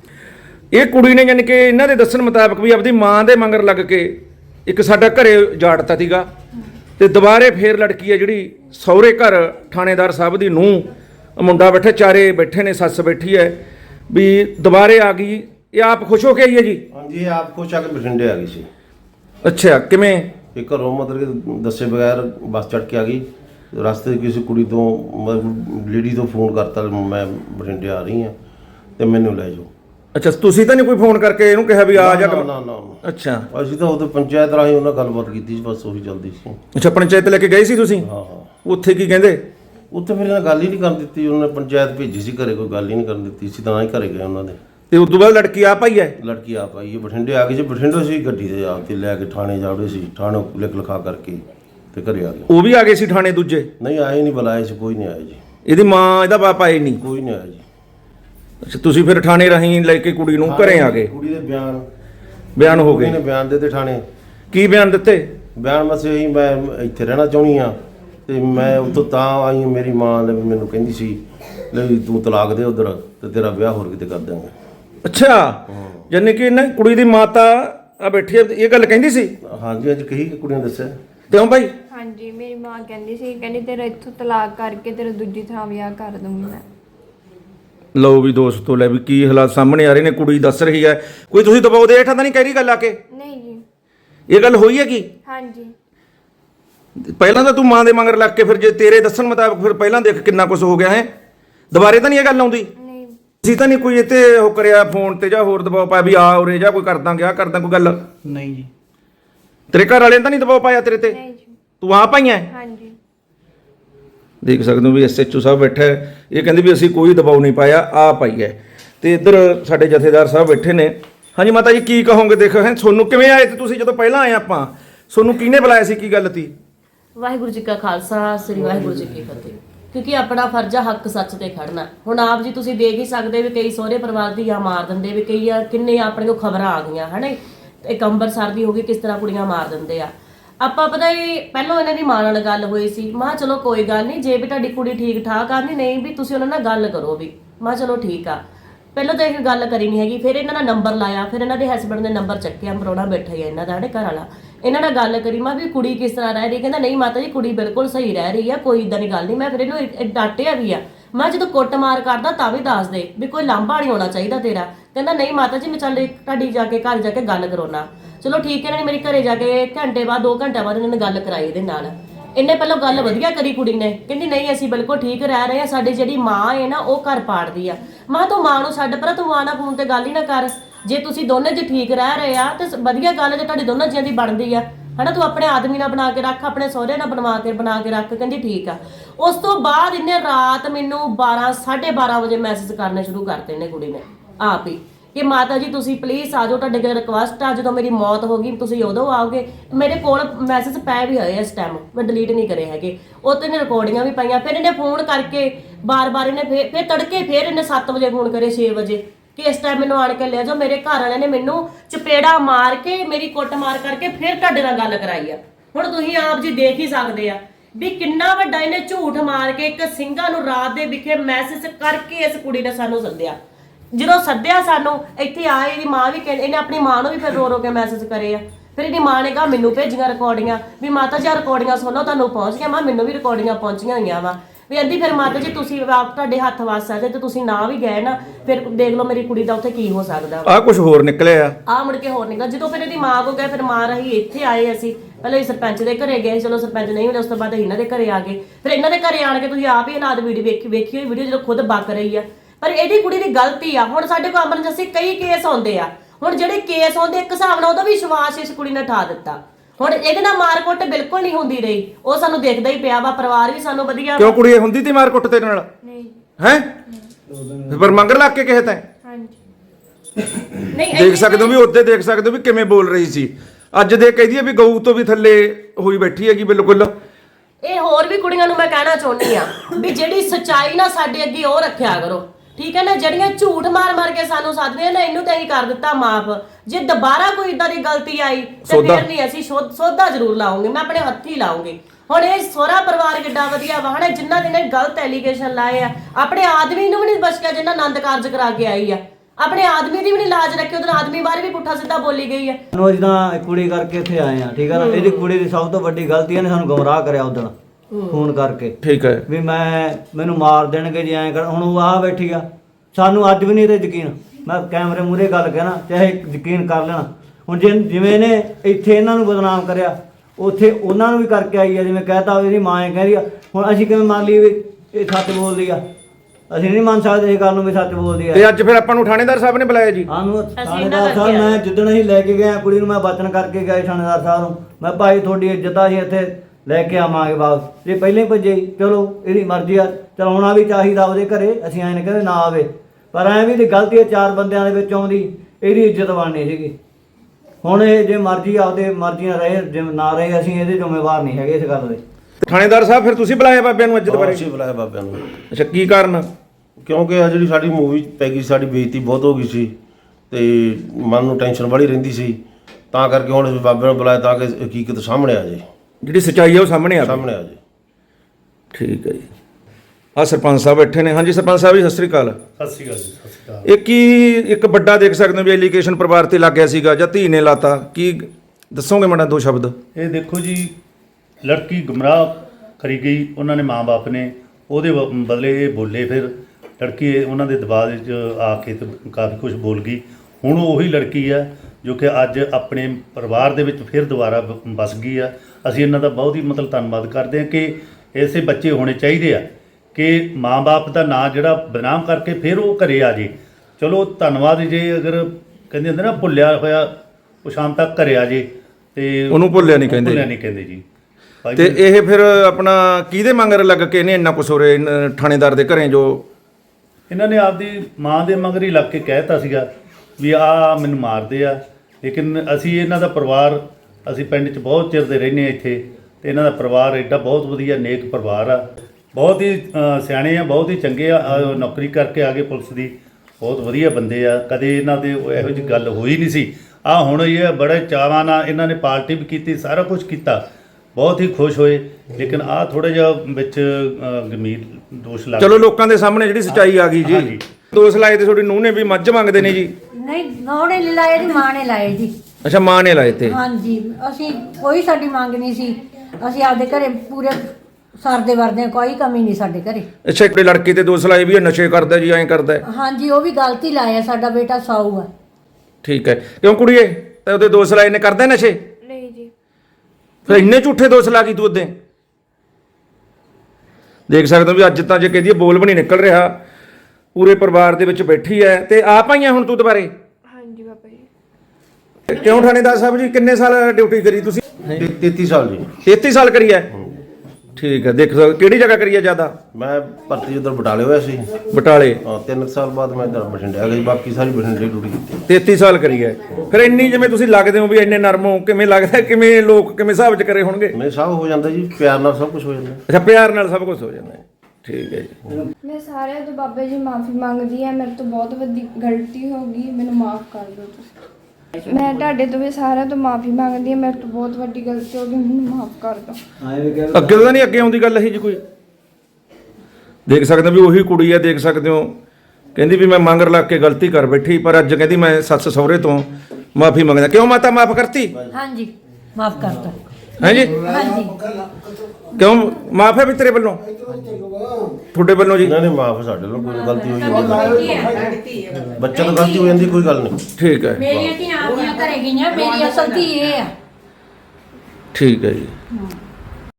[SPEAKER 1] ਇਹ ਕੁੜੀ ਨੇ ਯਾਨੀ ਕਿ ਇਹਨਾਂ ਦੇ ਦੱਸਣ ਮੁਤਾਬਕ ਵੀ ਆਪਦੀ ਮਾਂ ਦੇ ਮੰਗਰ ਲੱਗ ਕੇ ਇੱਕ ਸਾਡਾ ਘਰੇ ਜਾੜਤਾ ਸੀਗਾ, ਤੇ ਦੁਬਾਰੇ ਫੇਰ ਲੜਕੀ ਹੈ ਜਿਹੜੀ ਸਹੁਰੇ ਘਰ ਥਾਣੇਦਾਰ ਸਾਹਿਬ ਦੀ ਨੂੰਹ, ਮੁੰਡਾ ਬੈਠੇ, ਚਾਰੇ ਬੈਠੇ ਨੇ, ਸੱਸ ਬੈਠੀ ਹੈ, ਵੀ ਦੁਬਾਰੇ ਆ ਗਈ। ਇਹ ਆਪ ਖੁਸ਼ ਹੋ ਕੇ ਆਈ ਹੈ ਜੀ?
[SPEAKER 3] ਹਾਂਜੀ, ਇਹ ਆਪ ਖੁਸ਼ ਆ ਕੇ ਬਠਿੰਡੇ ਆ ਗਈ ਸੀ।
[SPEAKER 1] ਅੱਛਾ, ਕਿਵੇਂ?
[SPEAKER 3] ਇਹ ਘਰੋਂ ਮਤਲਬ ਕਿ ਦੱਸੇ ਬਗੈਰ ਬੱਸ ਚੜ੍ਹ ਕੇ ਆ ਗਈ। ਰਸਤੇ 'ਚ ਕਿਸੇ ਕੁੜੀ ਤੋਂ ਲੇਡੀ ਤੋਂ ਫੋਨ ਕਰਤਾ, ਮੈਂ ਬਠਿੰਡੇ ਆ ਰਹੀ ਹਾਂ ਤੇ ਮੈਨੂੰ ਲੈ ਜਾਓ।
[SPEAKER 1] ਅੱਛਾ, ਤੁਸੀਂ ਤਾਂ ਨਹੀਂ ਕੋਈ ਫੋਨ ਕਰਕੇ ਇਹਨੂੰ ਕਿਹਾ ਵੀ ਆ ਜਾ?
[SPEAKER 3] ਨਾ ਨਾ ਨਾ,
[SPEAKER 1] ਅੱਛਾ,
[SPEAKER 3] ਅਸੀਂ ਤਾਂ ਉਦੋਂ ਪੰਚਾਇਤ ਰਾਹੀਂ ਉਹਨਾਂ ਗੱਲਬਾਤ ਕੀਤੀ ਸੀ, ਬਸ ਉਹੀ ਚੱਲਦੀ ਸੀ।
[SPEAKER 1] ਅੱਛਾ, ਪੰਚਾਇਤ ਲੈ ਕੇ ਗਏ ਸੀ ਤੁਸੀਂ?
[SPEAKER 3] ਹਾਂ।
[SPEAKER 1] ਉੱਥੇ ਕੀ ਕਹਿੰਦੇ?
[SPEAKER 3] ਉੱਥੇ ਫਿਰ ਇਹਨਾਂ ਗੱਲ ਹੀ ਨਹੀਂ ਕਰਨ ਦਿੱਤੀ, ਉਹਨਾਂ ਨੇ ਪੰਚਾਇਤ ਭੇਜੀ ਸੀ ਘਰੇ, ਕੋਈ ਗੱਲ ਹੀ ਨਹੀਂ ਕਰਨ ਦਿੱਤੀ ਸੀ, ਤਾਂ ਹੀ ਘਰੇ ਗਏ ਉਹਨਾਂ ਦੇ।
[SPEAKER 1] ਤੇ ਉਸ ਤੋਂ ਬਾਅਦ ਲੜਕੀ ਆ ਪਾਈ ਹੈ?
[SPEAKER 3] ਲੜਕੀ ਆਪ ਆਈ ਹੈ, ਬਠਿੰਡੇ ਆ ਗਈ ਜੀ। ਬਠਿੰਡੇ ਸੀ ਗੱਡੀ ਤੇ ਆ ਤੇ ਲੈ ਕੇ ਥਾਣੇ ਜਾਵੜੇ ਸੀ, ਥਾਣੇ ਲਿਖ ਲਿਖਾ ਕਰਕੇ ਤੇ ਘਰੇ ਆ ਗਏ।
[SPEAKER 1] ਉਹ ਵੀ ਆ ਗਏ ਸੀ ਥਾਣੇ ਦੂਜੇ?
[SPEAKER 3] ਨਹੀਂ ਆਏ, ਨਹੀਂ ਬੁਲਾਏ ਸੀ, ਕੋਈ ਨਹੀਂ ਆਇਆ ਜੀ।
[SPEAKER 1] ਇਹਦੀ ਮਾਂ ਇਹਦਾ ਬਾਪ ਆਏ ਨਹੀਂ?
[SPEAKER 3] ਕੋਈ ਨਹੀਂ ਆਇਆ ਜੀ।
[SPEAKER 1] ਅੱਛਾ, ਤੁਸੀਂ ਫਿਰ ਥਾਣੇ ਰਾਹੀਂ ਲੈ ਕੇ ਕੁੜੀ ਨੂੰ ਘਰੇ ਆ ਗਏ?
[SPEAKER 3] ਕੁੜੀ ਦੇ ਬਿਆਨ
[SPEAKER 1] ਬਿਆਨ ਹੋ
[SPEAKER 3] ਕੁੜੀ
[SPEAKER 1] ਗਏ?
[SPEAKER 3] ਨੇ ਬਿਆਨ ਦਿੱਤੇ ਥਾਣੇ।
[SPEAKER 1] ਕੀ ਬਿਆਨ ਦਿੱਤੇ?
[SPEAKER 3] ਬਿਆਨ ਬਸ ਇਹੀ, ਮੈਂ ਇੱਥੇ ਰਹਿਣਾ ਚਾਹੁੰਦੀ ਆ ਤੇ ਮੈਂ ਉੱਥੋਂ ਤਾਂ ਆਈ ਹਾਂ, ਮੇਰੀ ਮਾਂ ਨੇ ਮੈਨੂੰ ਕਹਿੰਦੀ ਸੀ ਲੈ ਤੂੰ ਤਲਾਕ ਦੇ ਉਧਰ ਤੇ ਤੇਰਾ ਵਿਆਹ ਹੋਰ ਕਿਤੇ ਕਰ ਦਾਂਗੇ।
[SPEAKER 1] ਅੱਛਾ, ਯਾਨੀ ਕਿ ਨਾ ਕੁੜੀ ਦੀ ਮਾਤਾ ਆ ਬੈਠੀ ਇਹ ਗੱਲ ਕਹਿੰਦੀ ਸੀ?
[SPEAKER 3] ਹਾਂਜੀ, ਅੱਜ ਕਹੀ ਕਿ ਕੁੜੀਆਂ ਦੱਸਿਆ।
[SPEAKER 1] ਕਿਉਂ ਭਾਈ?
[SPEAKER 4] ਹਾਂਜੀ, ਮੇਰੀ ਮਾਂ ਕਹਿੰਦੀ ਸੀ, ਕਹਿੰਦੀ ਤੇਰਾ ਇੱਥੋਂ ਤਲਾਕ ਕਰਕੇ ਤੇਰਾ ਦੂਜੀ ਥਾਂ ਵਿਆਹ ਕਰ ਦੂੰਗੀ ਮੈਂ।
[SPEAKER 1] ਲਓ ਵੀ ਦੋਸਤੋ, ਲੈ ਵੀ ਕੀ ਹਾਲਾਤ ਸਾਹਮਣੇ ਆ ਰਹੇ ਨੇ। ਕੁੜੀ ਦੱਸ ਰਹੀ ਹੈ, ਕੋਈ ਤੁਸੀਂ ਦਬਾਅ ਦੇ ਹੇਠਾਂ ਤਾਂ ਨਹੀਂ ਕਹਿ ਰਹੀ ਗੱਲ ਆ ਕੇ?
[SPEAKER 4] ਨਹੀਂ ਜੀ।
[SPEAKER 1] ਇਹ ਗੱਲ ਹੋਈ ਹੈ ਕੀ?
[SPEAKER 4] ਹਾਂਜੀ।
[SPEAKER 1] ਪਹਿਲਾਂ ਤਾਂ ਤੂੰ ਮਾਂ ਦੇ ਮਗਰ ਲੱਗ ਕੇ ਫਿਰ ਜੇ ਤੇਰੇ ਦੱਸਣ ਮੁਤਾਬਕ ਫਿਰ ਪਹਿਲਾਂ ਦੇਖ ਕਿੰਨਾ ਕੁਝ ਹੋ ਗਿਆ ਹੈ, ਦੁਬਾਰੇ ਤਾਂ ਨਹੀਂ ਇਹ ਗੱਲ ਆਉਂਦੀ?
[SPEAKER 4] ਨਹੀਂ।
[SPEAKER 1] ਤੁਸੀਂ ਤਾਂ ਨਹੀਂ ਕੋਈ ਇੱਥੇ ਉਹ ਕਰਿਆ ਫੋਨ ਤੇ ਜਾਂ ਹੋਰ ਦਬਾਅ ਪਾਇਆ ਵੀ ਆ ਉਰੇ ਜਾਂ ਕੋਈ ਕਰਦਾਂ ਗਿਆ ਕਰਦਾਂ ਕੋਈ ਗੱਲ?
[SPEAKER 8] ਨਹੀਂ ਜੀ।
[SPEAKER 1] ਤੇਰੇ ਘਰ ਵਾਲਿਆਂ ਤਾਂ ਨਹੀਂ ਦਬਾਅ ਪਾਇਆ ਤੇਰੇ ਤੇ?
[SPEAKER 4] ਨਹੀਂ ਜੀ।
[SPEAKER 1] ਤੂੰ ਆ ਪਾਈਆਂ?
[SPEAKER 4] ਹਾਂਜੀ।
[SPEAKER 1] ਦੇਖ ਸਕਦੇ ਹੋ ਵੀ ਐਸ ਐਚ ਓ ਸਾਹਿਬ ਬੈਠਾ ਹੈ, ਇਹ ਕਹਿੰਦੇ ਵੀ ਅਸੀਂ ਕੋਈ ਦਬਾਅ ਨਹੀਂ ਪਾਇਆ, ਆ ਪਾਈ ਹੈ। ਤੇ ਇੱਧਰ ਸਾਡੇ ਜਥੇਦਾਰ ਸਾਹਿਬ ਬੈਠੇ ਨੇ। ਹਾਂਜੀ ਮਾਤਾ ਜੀ, ਕੀ ਕਹੋਗੇ? ਦੇਖੋ ਹੈ ਤੁਹਾਨੂੰ ਕਿਵੇਂ ਆਏ ਤੇ ਤੁਸੀਂ ਜਦੋਂ ਪਹਿਲਾਂ ਆਏ ਆਪਾਂ ਤੁਹਾਨੂੰ ਕਿਹਨੇ ਬੁਲਾਇਆ ਸੀ, ਕੀ ਗੱਲ ਤੀ?
[SPEAKER 6] ਵਾਹਿਗੁਰੂ ਜੀ ਕਾ ਖਾਲਸਾ, ਸ੍ਰੀ ਵਾਹਿਗੁਰੂ ਜੀ ਕੀ ਫਤਿਹ। ਕਿਉਂਕਿ ਆਪਣਾ ਫਰਜ਼ ਆ ਹੱਕ ਸੱਚ ਤੇ ਖੜਨਾ। ਹੁਣ ਆਪ ਜੀ ਤੁਸੀਂ ਦੇਖ ਹੀ ਸਕਦੇ ਵੀ ਕਈ ਸਹੁਰੇ ਪਰਿਵਾਰ ਦੀ ਆ ਮਾਰ ਦਿੰਦੇ, ਵੀ ਕਈ ਆ ਕਿੰਨੇ ਆਪਣੇ ਕੋਲ ਖਬਰਾਂ ਆ ਗਈਆਂ ਹਨਾ। ਇੱਕ ਅੰਮ੍ਰਿਤਸਰ ਦੀ ਹੋ ਗਈ, ਕਿਸ ਤਰ੍ਹਾਂ ਕੁੜੀਆਂ ਮਾਰ ਦਿੰਦੇ ਆ। ਆਪਾਂ ਪਤਾ ਹੀ ਪਹਿਲਾਂ ਇਹਨਾਂ ਦੀ ਮਾਂ ਨਾਲ ਗੱਲ ਹੋਈ ਸੀ, ਮਾਂ ਚਲੋ ਕੋਈ ਗੱਲ ਨਹੀਂ, ਜੇ ਵੀ ਤੁਹਾਡੀ ਕੁੜੀ ਠੀਕ ਠਾਕ ਆ, ਨਹੀਂ ਨਹੀਂ ਵੀ ਤੁਸੀਂ ਉਹਨਾਂ ਨਾਲ ਗੱਲ ਕਰੋ ਵੀ। ਮਾਂ ਚਲੋ ਠੀਕ ਆ। ਪਹਿਲਾਂ ਤਾਂ ਇਹ ਗੱਲ ਕਰੀ ਨਹੀਂ ਹੈਗੀ, ਫਿਰ ਇਹਨਾਂ ਦਾ ਨੰਬਰ ਲਾਇਆ, ਫਿਰ ਇਹਨਾਂ ਦੇ ਹਸਬੰਡ ਨੇ ਨੰਬਰ ਚੱਕਿਆ, ਮਰੋੜਾ ਬੈਠਾ ਹੀ ਇਹਨਾਂ ਦਾ ਸਾਡੇ ਘਰ ਵਾਲਾ, ਇਹਨਾਂ ਨਾਲ ਗੱਲ ਕਰੀ। ਮੈਂ ਵੀ ਕੁੜੀ ਕਿਸ ਤਰ੍ਹਾਂ ਰਹਿ ਰਹੀ? ਕਹਿੰਦਾ ਨਹੀਂ ਮਾਤਾ ਜੀ, ਕੁੜੀ ਬਿਲਕੁਲ ਸਹੀ ਰਹਿ ਰਹੀ ਆ, ਕੋਈ ਇਦਾਂ ਦੀ ਗੱਲ ਨਹੀਂ। ਮੈਂ ਫਿਰ ਇਹਨੂੰ ਡਾਂਟਿਆ ਵੀ ਆ, ਮੈਂ ਜਦੋਂ ਕੁੱਟਮਾਰ ਕਰਦਾ ਤਾਂ ਵੀ ਦੱਸ ਦੇ ਵੀ ਕੋਈ ਲਾਂਭਾ ਨਹੀਂ ਹੋਣਾ ਚਾਹੀਦਾ ਤੇਰਾ। ਕਹਿੰਦਾ ਨਹੀਂ ਮਾਤਾ ਜੀ, ਮੈਂ ਚੱਲ ਤੁਹਾਡੀ ਜਾ ਕੇ ਘਰ ਜਾ ਕੇ ਗੱਲ ਕਰਾਉਣਾ। ਚਲੋ ਠੀਕ ਹੈ, ਇਹਨਾਂ ਨੇ ਮੇਰੀ ਘਰੇ ਜਾ ਕੇ ਘੰਟੇ ਬਾਅਦ ਦੋ ਘੰਟਿਆਂ ਬਾਅਦ ਇਹਨਾਂ ਨੇ ਗੱਲ ਕਰਾਈ ਇਹਦੇ ਨਾਲ। ਇਹਨੇ ਪਹਿਲਾਂ ਗੱਲ ਵਧੀਆ ਕਰੀ ਕੁੜੀ ਨੇ, ਕਹਿੰਦੀ ਨਹੀਂ ਅਸੀਂ ਬਿਲਕੁਲ ਠੀਕ ਰਹਿ ਰਹੇ ਆ, ਸਾਡੀ ਜਿਹੜੀ ਮਾਂ ਹੈ ਨਾ ਉਹ ਘਰ ਪਾੜਦੀ ਆ। ਮਾਂ ਤੂੰ ਮਾਂ ਨੂੰ ਛੱਡ ਪਰ, ਤੂੰ ਮਾਂ ਨਾਲ ਫੋਨ ਤੇ ਗੱਲ ਹੀ ਨਾ ਕਰ। ਜੇ ਤੁਸੀਂ ਦੋਨੇ ਜੇ ਠੀਕ ਰਹਿ ਰਹੇ ਆ ਤੇ ਵਧੀਆ ਗੱਲ ਹੈ, ਜੇ ਤੁਹਾਡੀ ਦੋਨਾਂ ਜੀਆਂ ਦੀ ਬਣਦੀ ਆ ਹਨਾ। ਤੂੰ ਆਪਣੇ ਆਦਮੀ ਨਾਲ ਬਣਾ ਕੇ ਰੱਖ, ਆਪਣੇ ਸਹੁਰੇ ਨਾਲ ਬਣਵਾ ਕੇ ਬਣਾ ਕੇ ਰੱਖ। ਕਹਿੰਦੀ ਠੀਕ ਆ। ਉਸ ਤੋਂ ਬਾਅਦ ਇਹਨੇ ਰਾਤ ਮੈਨੂੰ ਬਾਰਾਂ ਸਾਢੇ ਬਾਰਾਂ ਵਜੇ ਮੈਸੇਜ ਕਰਨੇ ਸ਼ੁਰੂ ਕਰਤੇ ਇਹਨੇ ਕੁੜੀ ਨੇ ਆਪ ਹੀ ਕਿ ਮਾਤਾ ਜੀ ਤੁਸੀਂ ਪਲੀਜ਼ ਆ ਜਾਓ, ਤੁਹਾਡੇ ਕੋਲ ਰਿਕੁਐਸਟ ਆ, ਜਦੋਂ ਮੇਰੀ ਮੌਤ ਹੋ ਗਈ ਤੁਸੀਂ ਉਦੋਂ ਆਓਗੇ। ਮੇਰੇ ਕੋਲ ਮੈਸੇਜ ਪਏ ਵੀ ਹੋਏ ਇਸ ਟਾਈਮ, ਮੈਂ ਡਿਲੀਟ ਨਹੀਂ ਕਰੇ ਹੈਗੇ। ਉਹ ਤੇ ਇਹਨੇ ਰਿਕਾਰਡਿੰਗਾਂ ਵੀ ਪਾਈਆਂ। ਫਿਰ ਇਹਨੇ ਫੋਨ ਕਰਕੇ ਬਾਰ-ਬਾਰ ਇਹਨੇ ਫਿਰ ਫਿਰ ਤੜਕੇ ਫਿਰ ਇਹਨੇ ਸੱਤ ਵਜੇ ਫੋਨ ਕਰੇ, ਛੇ ਵਜੇ ਕਿ ਇਸ ਟਾਈਮ ਮੈਨੂੰ ਆਣ ਕੇ ਲੈ ਜਾਓ। ਮੇਰੇ ਘਰ ਵਾਲਿਆਂ ਨੇ ਮੈਨੂੰ ਚਪੇੜਾ ਮਾਰ ਕੇ, ਮੇਰੀ ਕੁੱਟ ਮਾਰ ਕਰਕੇ ਫਿਰ ਤੁਹਾਡੇ ਨਾਲ ਗੱਲ ਕਰਾਈ ਆ। ਹੁਣ ਤੁਸੀਂ ਆਪ ਜੀ ਦੇਖ ਹੀ ਸਕਦੇ ਆ ਵੀ ਕਿੰਨਾ ਵੱਡਾ ਇਹਨੇ ਝੂਠ ਮਾਰ ਕੇ ਇੱਕ ਸਿੰਘਾਂ ਨੂੰ ਰਾਤ ਦੇ ਵਿਖੇ ਮੈਸੇਜ ਕਰਕੇ ਇਸ ਕੁੜੀ ਨੇ ਸਾਨੂੰ ਸੱਦਿਆ। ਜਦੋਂ ਸੱਦਿਆ ਸਾਨੂੰ ਇੱਥੇ ਆਏ, ਇਹਦੀ ਮਾਂ ਵੀ ਕਹਿੰਦੀ, ਇਹਨੇ ਆਪਣੀ ਮਾਂ ਨੂੰ ਵੀ ਫਿਰ ਰੋ ਰੋ ਕੇ ਮੈਸੇਜ ਕਰੇ ਆ। ਫਿਰ ਇਹਦੀ ਮਾਂ ਨੇ ਕਹਾ ਮੈਨੂੰ ਭੇਜੀਆਂ ਰਿਕਾਰਡਿੰਗਾਂ ਵੀ ਮਾਤਾ ਜੀ ਰਿਕਾਰਡਿੰਗਾਂ ਸੁਣੋ, ਤੁਹਾਨੂੰ ਪਹੁੰਚ ਗਿਆ। ਮਾਂ ਮੈਨੂੰ ਵੀ ਰਿਕਾਰਡਿੰਗਾਂ ਪਹੁੰਚੀਆਂ ਹੋਈਆਂ ਵਾ ਵੀ ਕਹਿੰਦੀ ਫਿਰ ਮਾਤਾ ਜੀ ਤੁਸੀਂ ਆਪ ਤੁਹਾਡੇ ਹੱਥ ਵੱਸ ਆ, ਤੇ ਤੁਸੀਂ ਨਾ ਵੀ ਗਏ ਨਾ ਫਿਰ ਦੇਖ ਲਓ ਮੇਰੀ ਕੁੜੀ ਦਾ ਉੱਥੇ ਕੀ ਹੋ ਸਕਦਾ।
[SPEAKER 1] ਆ ਕੁਝ ਹੋਰ ਨਿਕਲਿਆ ਆ
[SPEAKER 6] ਆ ਮੁੜ ਕੇ ਹੋਰ ਨਿਕਲ। ਜਦੋਂ ਫਿਰ ਇਹਦੀ ਮਾਂ ਕੋ ਗਏ, ਫਿਰ ਮਾਂ ਰਹੀ ਇੱਥੇ ਆਏ ਅਸੀਂ। ਪਹਿਲਾਂ ਸਰਪੰਚ ਦੇ ਘਰੇ ਗਏ, ਚਲੋ ਸਰਪੰਚ ਨਹੀਂ ਮਿਲੇ, ਉਸ ਤੋਂ ਬਾਅਦ ਇਹਨਾਂ ਦੇ ਘਰੇ ਆ ਗਏ। ਫਿਰ ਇਹਨਾਂ ਦੇ ਘਰੇ ਆਣ ਕੇ ਤੁਸੀਂ ਆਪ ਹੀ ਹਾਲਾਤ ਵੀਡੀਓ ਵੇਖੀ ਵੇਖੀ ਹੋਈ ਵੀਡੀਓ ਜਦੋਂ ਖੁਦ ਬਕ ਰਹੀ ਆ। ਪਰ ਇਹਦੀ ਕੁੜੀ ਦੀ ਗਲਤੀ ਆ। ਹੁਣ ਸਾਡੇ ਕੋਲ ਐਮਰਜੈਂਸੀ ਕਈ ਕੇਸ ਆਉਂਦੇ ਆ, ਹੁਣ ਜਿਹੜੇ ਕੇਸ ਆਉਂਦੇ ਇੱਕ ਹਿਸਾਬ ਨਾਲ ਉਹਦਾ ਵੀ ਵਿਸ਼ਵਾਸ ਇਸ ਕੁੜੀ ਨੇ ਠਾ ਦਿੱਤਾ। ਹੁਣ ਇਹਦੇ ਨਾਲ ਮਾਰਕੁੱਟ ਬਿਲਕੁਲ ਨਹੀਂ ਹੁੰਦੀ ਰਹੀ, ਉਹ ਸਾਨੂੰ ਦੇਖਦਾ ਹੀ ਪਿਆ ਵਾ, ਪਰਿਵਾਰ ਵੀ ਸਾਨੂੰ ਵਧੀਆ।
[SPEAKER 1] ਕਿਉਂ ਕੁੜੀ ਹੁੰਦੀ ਤੀ ਮਾਰਕੁੱਟ ਤੇਰੇ ਨਾਲ?
[SPEAKER 4] ਨਹੀਂ।
[SPEAKER 1] ਹੈ ਪਰ ਮੰਗਰ ਲੱਗ ਕੇ ਕਹੇ ਤੈਂ?
[SPEAKER 4] ਹਾਂਜੀ।
[SPEAKER 6] ਨਹੀਂ
[SPEAKER 1] ਦੇਖ ਸਕਦੇ ਹੋ ਵੀ ਉੱਤੇ ਦੇਖ ਸਕਦੇ ਹੋ ਵੀ ਕਿਵੇਂ ਬੋਲ ਰਹੀ ਸੀ। ਅੱਜ ਦੇ ਕਹਦੀ ਹੈ ਵੀ ਗਊ ਤੋਂ ਵੀ ਥੱਲੇ ਹੋਈ ਬੈਠੀ ਹੈਗੀ ਬਿਲਕੁਲ।
[SPEAKER 6] ਇਹ ਹੋਰ ਵੀ ਕੁੜੀਆਂ ਨੂੰ ਮੈਂ ਕਹਿਣਾ ਚਾਹੁੰਦੀ ਆ ਵੀ ਜਿਹੜੀ ਸੱਚਾਈ ਨਾ ਸਾਡੇ ਅੱਗੇ ਉਹ ਰੱਖਿਆ ਕਰੋ, ਠੀਕ ਹੈ ਨਾ। ਜਿਹੜੀਆਂ ਝੂਠ ਮਾਰ ਮਾਰ ਕੇ ਸਾਨੂੰ ਸੱਦਦੀਆਂ ਨਾ, ਇਹਨੂੰ ਤਾਂ ਅਸੀਂ ਕਰ ਦਿੱਤਾ ਮਾਫ। ਜੇ ਦੁਬਾਰਾ ਕੋਈ ਇਦਾਂ ਦੀ ਗਲਤੀ ਆਈ ਤੇ ਫਿਰ ਨਹੀਂ, ਅਸੀਂ ਸੋਧਾ ਜ਼ਰੂਰ ਲਾਉਂਗੇ, ਮੈਂ ਆਪਣੇ ਹੱਥੀ ਲਾਉਂਗੀ। ਹੁਣ ਇਹ ਸਹੁਰਾ ਪਰਿਵਾਰ ਕਿੱਡਾ ਵਧੀਆ ਵਾ ਹਨਾ, ਜਿਨ੍ਹਾਂ ਦੇ ਨੇ ਗਲਤ ਐਲੀਗੇਸ਼ਨ ਲਾਏ ਆ। ਆਪਣੇ ਆਦਮੀ ਨੂੰ ਵੀ ਨਹੀਂ ਬਚਕਿਆ ਜਿਨ੍ਹਾਂ ਆਨੰਦ ਕਾਰਜ ਕਰਾ ਕੇ ਆਈ ਆ। ਆਪਣੇ ਆਦਮੀ ਦੀ ਵੀ ਨਹੀਂ ਲਾਜ ਰੱਖੀ, ਉਹਦੇ ਆਦਮੀ ਬਾਰੇ ਵੀ ਪੁੱਠਾ ਸਿੱਧਾ ਬੋਲੀ ਗਈ ਆ।
[SPEAKER 7] ਨੂੰ ਜਿੱਦਾਂ ਕੁੜੀ ਕਰਕੇ ਇੱਥੇ ਆਏ ਆ, ਠੀਕ ਹੈ ਨਾ। ਇਹਦੀ ਕੁੜੀ ਦੀ ਸਭ ਤੋਂ ਵੱਡੀ ਗਲਤੀ ਇਹਨੇ ਸਾਨੂੰ ਗੁੰਮਰਾਹ ਕਰਿਆ ਉਦੋਂ ਫੋਨ ਕਰਕੇ,
[SPEAKER 1] ਠੀਕ ਹੈ
[SPEAKER 7] ਵੀ ਮੈਂ ਮੈਨੂੰ ਮਾਰ ਦੇਣਗੇ ਜੇ ਐਂ ਕਰ। ਹੁਣ ਉਹ ਆ ਬੈਠੀ ਆ, ਸਾਨੂੰ ਅੱਜ ਵੀ ਨਹੀਂ ਤੇ ਯਕੀਨ। ਮੈਂ ਕੈਮਰੇ ਮੂਹਰੇ ਗੱਲ ਕਹਿਣਾ, ਚਾਹੇ ਯਕੀਨ ਕਰ ਲੈਣਾ। ਹੁਣ ਜੇ ਜਿਵੇਂ ਇਹਨੇ ਇੱਥੇ ਇਹਨਾਂ ਨੂੰ ਬਦਨਾਮ ਕਰਿਆ, ਉੱਥੇ ਉਹਨਾਂ ਨੂੰ ਵੀ ਕਰਕੇ ਆਈ ਆ। ਜਿਵੇਂ ਕਹਿਤਾ ਇਹਦੀ ਮਾਂ ਕਹਿੰਦੀ ਆ, ਹੁਣ ਅਸੀਂ ਕਿਵੇਂ ਮੰਨ ਲਈਏ ਵੀ ਇਹ ਸੱਚ ਬੋਲਦੀ ਆ? ਅਸੀਂ ਨਹੀਂ ਮੰਨ ਸਕਦੇ ਇਹ ਗੱਲ ਨੂੰ ਵੀ ਸੱਚ ਬੋਲਦੀ ਆ।
[SPEAKER 1] ਤੇ ਅੱਜ ਫਿਰ ਆਪਾਂ ਨੂੰ ਥਾਣੇਦਾਰ ਸਾਹਿਬ ਨੇ ਬੁਲਾਇਆ ਜੀ?
[SPEAKER 7] ਸਾਨੂੰ ਥਾਣੇਦਾਰ ਸਾਹਿਬ, ਮੈਂ ਜਿੱਦਣ ਅਸੀਂ ਲੈ ਕੇ ਗਏ ਆ ਕੁੜੀ ਨੂੰ, ਮੈਂ ਵਚਨ ਕਰਕੇ ਗਿਆ ਸੀ ਥਾਣੇਦਾਰ ਸਾਹਿਬ ਨੂੰ, ਮੈਂ ਭਾਈ ਤੁਹਾਡੀ ਇੱਜ਼ਤ ਆ, ਅਸੀਂ ਇੱਥੇ ਲੈ ਕੇ ਆਵਾਂਗੇ ਵਾਪਸ। ਇਹ ਪਹਿਲੇ ਭੱਜੇ ਸੀ, ਚਲੋ ਇਹਦੀ ਮਰਜ਼ੀ ਆ, ਚਲਾਉਣਾ ਵੀ ਚਾਹੀਦਾ ਉਹਦੇ ਘਰੇ, ਅਸੀਂ ਐਂ ਨਹੀਂ ਕਹਿੰਦੇ ਨਾ ਆਵੇ, ਪਰ ਐਂ ਵੀ ਦੀ ਗਲਤੀ ਹੈ ਚਾਰ ਬੰਦਿਆਂ ਦੇ ਵਿੱਚ ਆਉਂਦੀ, ਇਹਦੀ ਇੱਜ਼ਤ ਬਣਨੀ ਸੀਗੀ। ਹੁਣ ਇਹ ਜੇ ਮਰਜ਼ੀ ਆਪਦੇ ਮਰਜ਼ੀ ਨਾਲ ਰਹੇ, ਜੇ ਨਾ ਰਹੇ, ਅਸੀਂ ਇਹਦੇ ਜ਼ਿੰਮੇਵਾਰ ਨਹੀਂ ਹੈਗੇ ਇਸ ਗੱਲ ਦੇ।
[SPEAKER 1] ਥਾਣੇਦਾਰ ਸਾਹਿਬ ਫਿਰ ਤੁਸੀਂ ਬੁਲਾਇਆ ਬਾਬਿਆਂ ਨੂੰ ਅੱਜ ਦੁਬਾਰੇ?
[SPEAKER 3] ਅਸੀਂ ਬੁਲਾਇਆ ਬਾਬਿਆਂ ਨੂੰ।
[SPEAKER 1] ਅੱਛਾ, ਕੀ ਕਾਰਨ?
[SPEAKER 3] ਕਿਉਂਕਿ ਆ ਜਿਹੜੀ ਸਾਡੀ ਮੂਵੀ ਪੈ ਗਈ, ਸਾਡੀ ਬੇਇੱਜ਼ਤੀ ਬਹੁਤ ਹੋ ਗਈ ਸੀ ਤੇ ਮਨ ਨੂੰ ਟੈਨਸ਼ਨ ਬੜੀ ਰਹਿੰਦੀ ਸੀ, ਤਾਂ ਕਰਕੇ ਹੁਣ ਅਸੀਂ ਬਾਬਿਆਂ ਨੂੰ ਬੁਲਾਇਆ ਤਾਂ ਕਿ ਹਕੀਕਤ ਸਾਹਮਣੇ ਆ ਜਾਏ,
[SPEAKER 1] ਜਿਹੜੀ ਸੱਚਾਈ ਹੈ ਉਹ ਸਾਹਮਣੇ ਆ ਜਾਵੇ।
[SPEAKER 3] ਸਾਹਮਣੇ ਆ ਜਾਏ।
[SPEAKER 1] ਠੀਕ ਹੈ ਜੀ। ਆ ਸਰਪੰਚ ਸਾਹਿਬ ਬੈਠੇ ਨੇ। ਹਾਂਜੀ ਸਰਪੰਚ ਸਾਹਿਬ ਜੀ, ਸਤਿ ਸ੍ਰੀ ਅਕਾਲ।
[SPEAKER 9] ਸਤਿ ਸ਼੍ਰੀ ਅਕਾਲ ਜੀ। ਸਤਿ ਸ਼੍ਰੀ ਅਕਾਲ।
[SPEAKER 1] ਇਹ ਕੀ ਇੱਕ ਵੱਡਾ ਦੇਖ ਸਕਦੇ ਹੋ ਵੀ ਐਲੀਗੇਸ਼ਨ ਪਰਿਵਾਰ ਤੇ ਲੱਗ ਗਿਆ ਸੀਗਾ ਜਾਂ ਧੀ ਨੇ ਲਾਤਾ, ਕੀ ਦੱਸੋਗੇ ਮਾੜਾ ਦੋ ਸ਼ਬਦ?
[SPEAKER 9] ਇਹ ਦੇਖੋ ਜੀ, ਲੜਕੀ ਗੁੰਮਰਾਹ ਕਰੀ ਗਈ, ਉਹਨਾਂ ਨੇ ਮਾਂ-ਬਾਪ ਨੇ ਉਹਦੇ ਬ- ਬਦਲੇ ਇਹ ਬੋਲੇ, ਫਿਰ ਲੜਕੀ ਉਹਨਾਂ ਦੇ ਦਬਾਅ ਵਿੱਚ ਆ ਕੇ ਤੇ ਕਾਫੀ ਕੁਝ ਬੋਲ ਗਈ। ਹੁਣ ਉਹੀ ਲੜਕੀ ਆ ਜੋ ਕਿ ਅੱਜ ਆਪਣੇ ਪਰਿਵਾਰ ਦੇ ਵਿੱਚ ਫਿਰ ਦੁਬਾਰਾ ਬ- ਵਸ ਗਈ ਆ। ਅਸੀਂ ਇਹਨਾਂ ਦਾ ਬਹੁਤ ਹੀ ਮਤਲਬ ਧੰਨਵਾਦ ਕਰਦੇ ਹਾਂ ਕਿ ਐਸੇ ਬੱਚੇ ਹੋਣੇ ਚਾਹੀਦੇ ਆ ਕਿ ਮਾਂ-ਬਾਪ ਦਾ ਨਾਂ ਜਿਹੜਾ ਬਦਨਾਮ ਕਰਕੇ ਫਿਰ ਉਹ ਘਰੇ ਆ ਜੇ। ਚਲੋ ਧੰਨਵਾਦ। ਜੇ ਅਗਰ ਕਹਿੰਦੇ ਹੁੰਦੇ ਨਾ ਭੁੱਲਿਆ ਹੋਇਆ ਉਹ ਸ਼ਾਮ ਤੱਕ ਘਰੇ ਆ ਜੇ ਤੇ
[SPEAKER 1] ਉਹਨੂੰ ਭੁੱਲਿਆ ਨਹੀਂ ਕਹਿੰਦੇ।
[SPEAKER 9] ਭੁੱਲਿਆ ਨਹੀਂ ਕਹਿੰਦੇ ਜੀ। ਭਾਈ
[SPEAKER 1] ਤੇ ਇਹ ਫਿਰ ਆਪਣਾ ਕਿਹਦੇ ਮੰਗਰ ਲੱਗ ਕੇ ਇਹਨੇ ਇੰਨਾ ਕੁਛ ਹੋ ਰਿਹਾ ਇਹਨਾਂ ਥਾਣੇਦਾਰ ਦੇ ਘਰੇ? ਜੋ
[SPEAKER 9] ਇਹਨਾਂ ਨੇ ਆਪਦੀ ਮਾਂ ਦੇ ਮਗਰ ਹੀ ਲੱਗ ਕੇ ਕਹਿਤਾ ਸੀਗਾ ਵੀ ਆ ਮੈਨੂੰ ਮਾਰਦੇ ਆ, ਲੇਕਿਨ ਅਸੀਂ ਇਹਨਾਂ ਦਾ ਪਰਿਵਾਰ, ਅਸੀਂ ਪਿੰਡ 'ਚ ਬਹੁਤ ਚਿਰ ਦੇ ਰਹਿੰਦੇ ਹਾਂ ਇੱਥੇ, ਤੇ ਇਹਨਾਂ ਦਾ ਪਰਿਵਾਰ ਐਡਾ ਬਹੁਤ ਵਧੀਆ ਨੇਕ ਪਰਿਵਾਰ ਆ, ਬਹੁਤ ਹੀ ਅ, ਸਿਆਣੇ ਆ, ਬਹੁਤ ਹੀ ਚੰਗੇ ਆ, ਅ, ਨੌਕਰੀ ਕਰਕੇ ਆ ਗਏ ਪੁਲਿਸ ਦੀ, ਬਹੁਤ ਵਧੀਆ ਬੰਦੇ ਆ, ਕਦੇ ਇਹਨਾਂ ਦੇ ਇਹੋ ਜਿਹੀ ਗੱਲ ਹੋਈ ਨਹੀਂ ਸੀ। ਆ ਹੁਣ ਇਹ ਬੜੇ ਚਾਵਾਂ ਨਾਲ ਇਹਨਾਂ ਨੇ ਪਾਰਟੀ ਵੀ ਕੀਤੀ, ਸਾਰਾ ਕੁਝ ਕੀਤਾ, ਬਹੁਤ ਹੀ ਖੁਸ਼ ਹੋਏ, ਲੇਕਿਨ ਆ ਥੋੜਾ ਜਿਹਾ ਵਿੱਚ ਅ, ਗੰਭੀਰ ਦੋਸ਼ ਲੱਗ
[SPEAKER 1] ਚਲੋ ਲੋਕਾਂ ਦੇ ਸਾਹਮਣੇ ਜਿਹੜੀ ਸੱਚਾਈ ਆ ਗਈ ਜੀ।
[SPEAKER 9] ਹਾਂਜੀ।
[SPEAKER 1] ਦੋਸ਼ ਲਾਏ ਤੇ ਤੁਹਾਡੀ ਨੂੰਹ ਨੇ ਵੀ ਮੱਝ ਮੰਗਦੇ ਨੇ ਜੀ?
[SPEAKER 5] ਨਹੀਂ, ਨੌਣੇ ਨੀ ਲਾਏ ਜੀ, ਮਾਂ ਨੇ ਲਾਏ ਜੀ।
[SPEAKER 1] ਅੱਛਾ, ਮਾਂ ਨੇ ਲਾਏ ਤੇ?
[SPEAKER 5] ਹਾਂਜੀ, ਅਸੀਂ ਕੋਈ ਸਾਡੀ ਮੰਗ ਨਹੀਂ ਸੀ, ਅਸੀਂ ਆਪਦੇ ਘਰੇ ਪੂਰੇ ਸਰਦੇ ਵਰਦੇ ਹਾਂ, ਕੋਈ ਕਮੀ ਨਹੀਂ ਸਾਡੇ ਘਰੇ।
[SPEAKER 1] ਅੱਛਾ, ਇੱਕ ਲੜਕੇ ਤੇ ਦੋਸ਼ ਲਾਏ ਵੀ ਇਹ ਨਸ਼ੇ ਕਰਦਾ ਜੀ, ਐਂ ਕਰਦਾ ਹੈ।
[SPEAKER 5] ਹਾਂਜੀ, ਉਹ ਵੀ ਗਲਤੀ ਲਾਇਆ, ਸਾਡਾ ਬੇਟਾ ਸਾਊ ਆ।
[SPEAKER 1] ਠੀਕ ਹੈ। ਕਿਉਂ ਕੁੜੀਏ, ਤੇ ਉਹਦੇ ਦੋਸ਼ ਲਾਏ ਨੇ ਕਰਦਾ ਨਸ਼ੇ?
[SPEAKER 4] ਨਹੀਂ ਜੀ।
[SPEAKER 1] ਫਿਰ ਇੰਨੇ ਝੂਠੇ ਦੋਸ਼ ਲਾ ਗਈ ਤੂੰ ਉਹਦੇ? ਦੇਖ ਸਕਦੇ ਹੋ ਵੀ ਅੱਜ ਤਾਂ ਜੇ ਕਹਿੰਦੀ ਬੋਲ ਵੀ ਨਹੀਂ ਨਿਕਲ ਰਿਹਾ, ਪੂਰੇ ਪਰਿਵਾਰ ਦੇ ਵਿੱਚ ਬੈਠੀ ਹੈ ਤੇ ਆਪ ਆਈਆਂ ਹੁਣ ਤੂੰ ਦੁਬਾਰੇ?
[SPEAKER 4] ਹਾਂਜੀ ਬਾਬਾ ਜੀ।
[SPEAKER 1] ਕਿਉਂ ਥਾਣੇਦਾਰ ਸਾਹਿਬ ਜੀ, ਕਿੰਨੇ ਸਾਲ ਡਿਊਟੀ ਕਰੀ ਤੁਸੀਂ?
[SPEAKER 3] ਤੇ ਤੇਤੀ ਸਾਲ ਜੀ।
[SPEAKER 1] ਤੇਤੀ ਸਾਲ ਕਰੀ ਹੈ? ਠੀਕ ਹੈ। ਦੇਖ ਸਕਦੇ ਕਿਹੜੀ ਜਗ੍ਹਾ ਕਰੀ ਹੈ ਜ਼ਿਆਦਾ?
[SPEAKER 3] ਮੈਂ ਭਰਤੀ ਉੱਧਰ ਬਟਾਲੇ ਹੋਇਆ ਸੀ।
[SPEAKER 1] ਬਟਾਲੇ?
[SPEAKER 3] ਹਾਂ, ਤਿੰਨ ਕੁ ਸਾਲ ਬਾਅਦ ਮੈਂ ਇੱਧਰ ਬਠਿੰਡੇ ਆ ਗਿਆ ਜੀ, ਬਾਕੀ ਸਾਰੀ ਬਠਿੰਡੇ ਡਿਊਟੀ ਕੀਤੀ।
[SPEAKER 1] ਤੇਤੀ ਸਾਲ ਕਰੀ ਹੈ। ਫਿਰ ਇੰਨੀ ਜਿਵੇਂ ਤੁਸੀਂ ਲੱਗਦੇ ਹੋ ਵੀ ਇੰਨੇ ਨਰਮ ਹੋ, ਕਿਵੇਂ ਲੱਗਦਾ, ਕਿਵੇਂ ਲੋਕ ਕਿਵੇਂ ਹਿਸਾਬ 'ਚ ਕਰੇ ਹੋਣਗੇ?
[SPEAKER 3] ਨਹੀਂ, ਸਭ ਹੋ ਜਾਂਦਾ ਜੀ, ਪਿਆਰ ਨਾਲ ਸਭ ਕੁਝ ਹੋ ਜਾਂਦਾ।
[SPEAKER 1] ਅੱਛਾ, ਪਿਆਰ ਨਾਲ ਸਭ ਕੁਝ ਹੋ ਜਾਂਦਾ ਹੈ। ਠੀਕ ਹੈ ਜੀ।
[SPEAKER 4] ਮੈਂ ਸਾਰਿਆਂ ਤੋਂ ਬਾਬਾ ਜੀ ਮਾਫੀ ਮੰਗਦੀ ਹਾਂ, ਮੇਰੇ ਤੋਂ ਬਹੁਤ ਵੱਡੀ ਗਲਤੀ ਹੋ ਗਈ, ਮੈਨੂੰ ਮਾਫ ਕਰ ਦਿਓ ਤੁਸੀਂ। ਮੈਂ ਤੁਹਾਡੇ ਤੋਂ ਵੀ ਸਾਰਿਆਂ ਤੋਂ ਮਾਫੀ ਮੰਗਦੀ ਹਾਂ, ਮੇਰੇ ਤੋਂ ਬਹੁਤ ਵੱਡੀ ਗਲਤੀ ਹੋ ਗਈ, ਮੈਨੂੰ ਮਾਫ ਕਰ ਦਿਓ।
[SPEAKER 1] ਅੱਗੇ ਤਾਂ ਨਹੀਂ ਅੱਗੇ ਆਉਂਦੀ ਗੱਲ ਇਹੀ ਜੀ ਕੋਈ? ਦੇਖ ਸਕਦੇ ਹੋ ਵੀ ਉਹੀ ਕੁੜੀ ਹੈ, ਦੇਖ ਸਕਦੇ ਹੋ ਕਹਿੰਦੀ ਵੀ ਮੈਂ ਮੰਗਰ ਲੱਗ ਕੇ ਗਲਤੀ ਕਰ ਬੈਠੀ, ਪਰ ਅੱਜ ਕਹਿੰਦੀ ਮੈਂ ਸੱਸ ਸਹੁਰੇ ਤੋਂ ਮਾਫੀ ਮੰਗਦਾ। ਕਿਉਂ ਮਾਤਾ ਮਾਫ ਕਰਤੀ?
[SPEAKER 5] ਹਾਂਜੀ, ਮਾਫ ਕਰਤਾ।
[SPEAKER 1] ਹੈ ਜੀ?
[SPEAKER 5] ਹਾਂਜੀ।
[SPEAKER 1] ਕਿਉਂ ਮਾਫ ਹੈ ਵੀ ਤੇਰੇ ਵੱਲੋਂ, ਤੁਹਾਡੇ ਵੱਲੋਂ ਜੀ?
[SPEAKER 3] ਇਹਨਾਂ ਨੇ ਮਾਫ, ਸਾਡੇ ਨਾਲ ਕੋਈ ਗਲਤੀ ਹੋਈ ਨਹੀਂ, ਬੱਚਾ ਤੋਂ ਗਲਤੀ ਹੋ ਜਾਂਦੀ, ਕੋਈ ਗੱਲ ਨਹੀਂ।
[SPEAKER 1] ਠੀਕ ਹੈ,
[SPEAKER 5] ਮੇਰੀਆਂ ਧੀਆਂ ਆਪਣੀਆਂ ਘਰੇ ਗਈਆਂ, ਮੇਰੀ ਅਸਲ ਧੀ ਇਹ ਆ।
[SPEAKER 1] ਠੀਕ ਹੈ ਜੀ।